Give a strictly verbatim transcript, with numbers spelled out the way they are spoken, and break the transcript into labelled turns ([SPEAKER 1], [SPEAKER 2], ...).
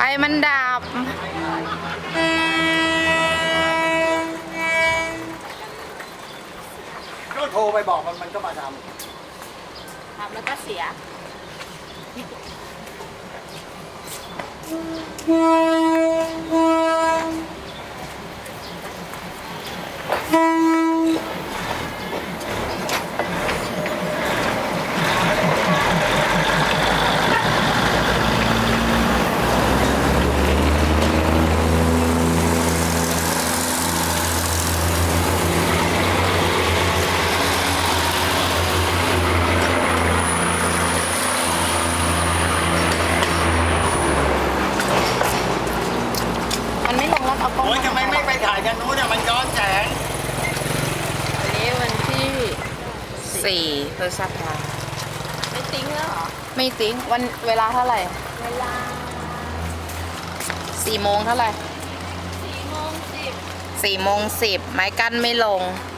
[SPEAKER 1] มันดับ
[SPEAKER 2] ก็โทรไปบอกมันมันก็มาทำ
[SPEAKER 3] ทำแล้วก็เสีย
[SPEAKER 1] มันไม่ลงแล้วเอากล้อง
[SPEAKER 2] โอ้ยทำไมไม่ไปถ่ายกันนู้นเนี่ยมันย้อนแสง
[SPEAKER 1] วันนี้วันที่สี่พฤษภา
[SPEAKER 3] ไม่ติ้งแล้วเหรอ
[SPEAKER 1] ไม่ติ้งวันเวลาเท่าไหร่
[SPEAKER 3] เวลา
[SPEAKER 1] สี่โมงเท่าไหร่
[SPEAKER 3] สี่โมงสิบ
[SPEAKER 1] สี่โมงสิบไม้กั้นไม่ลง
[SPEAKER 3] ไ